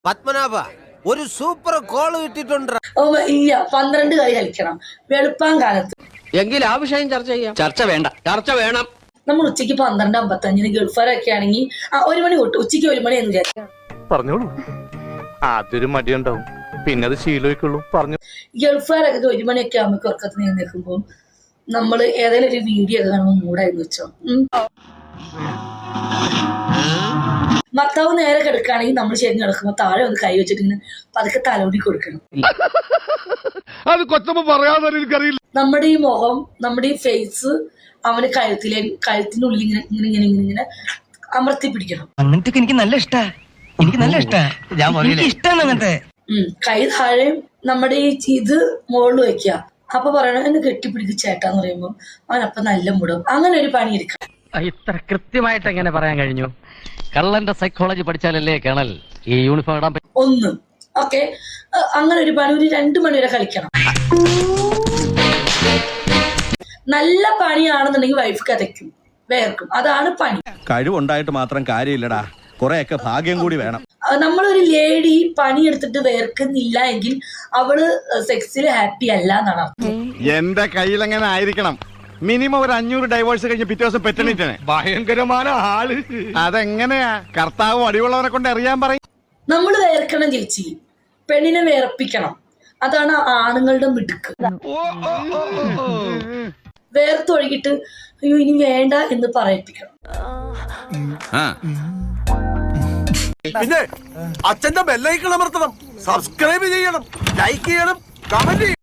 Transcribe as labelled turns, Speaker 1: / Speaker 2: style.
Speaker 1: പത്മനാഭ ഒരു super call കിട്ടിയിട്ടുണ്ട്.
Speaker 2: ഇല്ല 12 കളി കളിക്കണം വെളുപ്പാൻ കാലത്ത്.
Speaker 3: എങ്കിൽ ആ വിഷയം ചർച്ച ചെയ്യാം. ചർച്ച വേണ്ട, ചർച്ച വേണം.
Speaker 2: നമ്മൾ ഉച്ചയ്ക്ക് 12:55 ഗൾഫാരൊക്കെ ആണെങ്കിൽ 1 മണി തൊട്ട് ഉച്ചയ്ക്ക് 1 മണി എന്ന് വിചാരിക്കാം.
Speaker 4: പറഞ്ഞോളൂ. ആദ്യൊരു മടിയുണ്ടാവും, പിന്നെ അത് ശീലമായിക്കുള്ളൂ. പറഞ്ഞു.
Speaker 2: ഗൾഫാരൊക്കെ 1 മണിയൊക്കെ ആകുമ്പോൾ ഉറക്കത്തിന് നിൽക്കുമ്പോൾ നമ്മൾ ഏതെങ്കിലും ഒരു വീഡിയോ ഒക്കെ കാണുമ്പോൾ മൂടായിരുന്നു വെച്ചോ. ഭർത്താവ് നേരെ കിടക്കുകയാണെങ്കിൽ നമ്മൾ ശരി കിടക്കുമ്പോൾ താഴെ ഒന്ന് കൈ വെച്ചിട്ട് ഇങ്ങനെ പതുക്കെ തലോടി കൊടുക്കണം.
Speaker 4: അത് കൊച്ചമ്മ പറയാതെ എനിക്കറിയില്ല.
Speaker 2: നമ്മുടെ ഈ മുഖം, നമ്മുടെ ഈ ഫേസ് അവന് കഴുത്തിനുള്ളിൽ ഇങ്ങനെ ഇങ്ങനെ ഇങ്ങനെ ഇങ്ങനെ ഇങ്ങനെ അമർത്തി പിടിക്കണം.
Speaker 5: അങ്ങനത്തെ എനിക്ക് നല്ല ഇഷ്ടാ. എനിക്ക് നല്ല ഇഷ്ടാ. ഇഷ്ടമാണ് അങ്ങനത്തെ.
Speaker 2: കൈ താഴെ നമ്മുടെ ഈ ഇത് മുകളിൽ വെക്കുക. അപ്പൊ പറയണ എന്നെ കെട്ടിപ്പിടിക്കുക ചേട്ടാന്ന് പറയുമ്പോൾ അവനപ്പൊ നല്ല മുടും. അങ്ങനെ ഒരു പണി എടുക്കണം.
Speaker 3: ഇത്ര കൃത്യമായിട്ട് എങ്ങനെ പറയാൻ കഴിഞ്ഞു? കള്ളന്റെ സൈക്കോളജി പഠിച്ചാലല്ലേ കേണൽ ഈ യൂണിഫോം ഇടാൻ പറ്റും.
Speaker 2: ഒന്ന് ഓക്കെ, അങ്ങനെ ഒരു പണി ഒരു 2 മണി വരെ കളിക്കണം. നല്ല പണിയാണെന്നുണ്ടെങ്കിൽ വൈഫ് കഥയ്ക്കും വേർക്കും. അതാണ് പണി.
Speaker 6: കഴിവുണ്ടായിട്ട് മാത്രം കാര്യമില്ലടാ, കുറെയൊക്കെ ഭാഗ്യം കൂടി വേണം.
Speaker 2: നമ്മളൊരു ലേഡി പണിയെടുത്തിട്ട് വേർക്കുന്നില്ല എങ്കിൽ അവള് സെക്സിൽ ഹാപ്പി അല്ല എന്നാണ് അർത്ഥം.
Speaker 4: എന്റെ കയ്യിൽ എങ്ങനെ ആയിരിക്കണം? മിനിമം ഒരു 500 ഡൈവേഴ്സ് കഴിഞ്ഞ് പിറ്റേ ദിവസം പെറ്റണിട്ടേ. ഭയങ്കരമായ ആള്. അതെങ്ങനെയാ? കർത്താവ് അടിയുള്ളവനെ കൊണ്ട് അറിയാൻ പറയും.
Speaker 2: നമ്മൾ വേർക്കണം ചേച്ചി, പെണ്ണിനെ വേർപ്പിക്കണം. അതാണ് ആണുങ്ങളുടെ മിടുക്ക്. വേർത്തൊഴുകിട്ട് അയ്യോ ഇനി വേണ്ട എന്ന് പറയിപ്പിക്കണം.
Speaker 1: പിന്നെ അച്ഛന്റെ ബെല്ലൈക്കൺ അമർത്തണം, സബ്സ്ക്രൈബ് ചെയ്യണം, ലൈക്ക് ചെയ്യണം, കമന്റ് ചെയ്യണം.